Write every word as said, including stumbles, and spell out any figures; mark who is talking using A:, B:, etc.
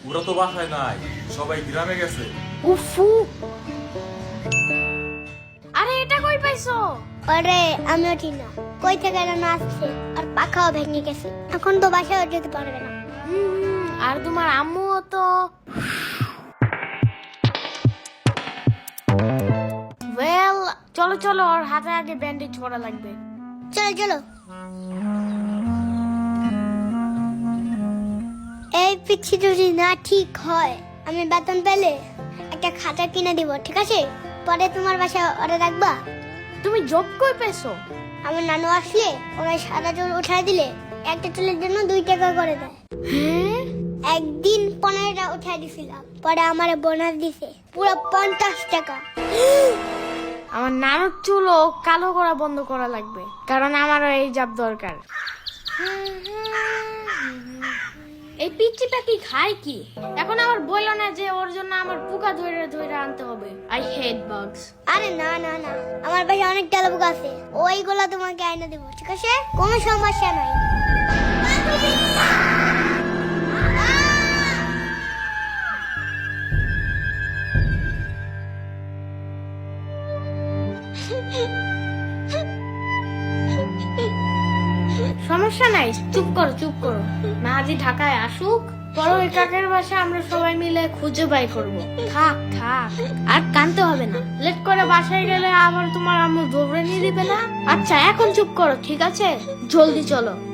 A: ওরা তো বাসায় নাই, সবাই গ্রামে গেছে।
B: উফু, আরে এটা কই পাইছো?
C: আরে আমিও ঠিক না, কই থেকে যেন আসছে আর পাখাও ভেঙে গেছে, এখন তো বাসায় যেতে পারবে না।
B: হুম, আর তোমার আম্মুও তো। ওয়েল, চলো চলো, ওর হাতে আগে ব্যান্ডেজ করা লাগবে।
C: চলো চলো। এই পিচ্ছি যদি না ঠিক হয়, আমি বেতন পেলে একটা খাতা কিনে দিব, ঠিক আছে? পরে তোমার বাসায় ওরা রাখবা।
B: তুমি জব কই পেছো?
C: আমার নানু আসলে ওরা সাদা চুল উঠাই দিলে একটা চুলের জন্য দুই টাকা করে দেয়।
B: হ্যাঁ,
C: একদিন পনেরোটা উঠাই দিছিলাম, পরে আমার বোনাস দিছে পুরো পঞ্চাশ টাকা।
B: আমার নানুর চুলও কালো করা বন্ধ করা লাগবে, কারণ আমারও এই জব দরকার। এই পিচ্চি পাখি খায় কি? এখন আমার বললো না যে ওর জন্য আমার পোকা ধরে ধরে আনতে হবে। I hate bugs.
C: আরে না না না, আমার বাসায় অনেক তেলাপোক আছে, ওইগুলা তোমাকে আইনা দেবো, ঠিক আছে? কোনো সমস্যা নাই।
B: সমস্যা নাই, চুপ করো চুপ করো। মাহাজি ঢাকায় আসুক, বড় ওই কাকের বাসা আমরা সবাই মিলে খুঁজে বাই করবো। থাক থাক, আর কানতে হবে না। লেট করে বাসায় গেলে আবার তোমার আম্মু দৌড়ে নিয়ে দিবে না। আচ্ছা এখন চুপ করো, ঠিক আছে? জলদি চলো।